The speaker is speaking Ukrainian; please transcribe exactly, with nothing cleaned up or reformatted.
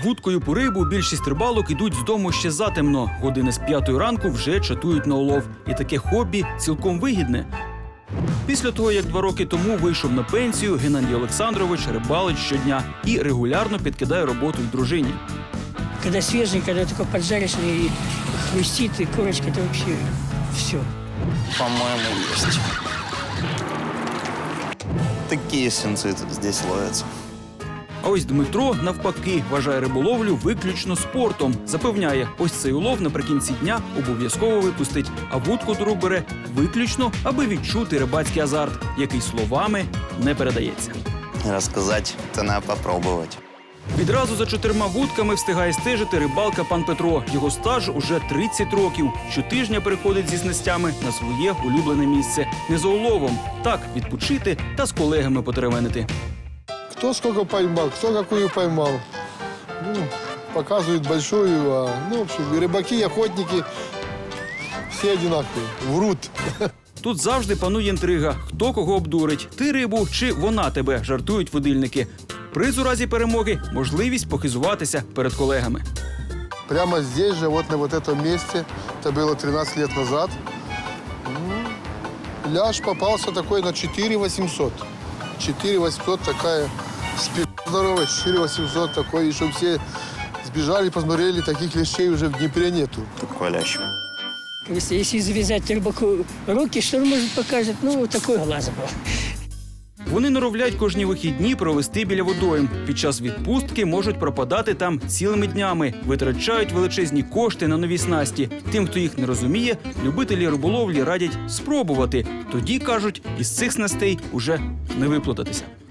вудкою по рибу більшість рибалок ідуть з дому ще затемно. Години з п'ятої ранку вже чатують на улов. І таке хобі цілком вигідне. Після того, як два роки тому вийшов на пенсію, Геннадій Олександрович рибалить щодня і регулярно підкидає роботу й дружині. Когда свежий, когда только поджаришь и хрустит, и корочка, это вообще все. По-моему, есть. Такие сенцы здесь ловятся. А ось Дмитро, навпаки, вважає риболовлю виключно спортом. Запевняє, ось цей улов наприкінці дня обов'язково випустить, а вудку до рук бере виключно, аби відчути рибацький азарт, який словами не передається. Рассказать, это надо попробовать. Відразу за чотирма вудками встигає стежити рибалка пан Петро. Його стаж уже тридцять років. Щотижня переходить зі снастями на своє улюблене місце. Не за уловом, так відпочити та з колегами потеревенити. Кто сколько поймал, кто какую поймал. Ну, показывают большую, а, ну, в общем, и рыбаки, и охотники все одинаковые, врут. Тут завжди панує інтрига. Хто кого обдурить? Ти рибу чи вона тебе, жартують водильники. Приз у разі перемоги – можливість похизуватися перед колегами. Прямо здесь же, вот на вот этом месте, это было тринадцать лет назад, ну, ляж попался такой на четыре восемьсот. четыре восемьсот такая спина здоровая, четыре восемьсот такой, и чтобы все сбежали, посмотрели, таких лещей уже в Днепре нету. Такой лящ. Если, если завязать рыбаку руки, что он может покажет? Ну, вот такой глаз был. Вони норовлять кожні вихідні провести біля водойм. Під час відпустки можуть пропадати там цілими днями, витрачають величезні кошти на нові снасті. Тим, хто їх не розуміє, любителі риболовлі радять спробувати. Тоді, кажуть, із цих снастей уже не виплутатися.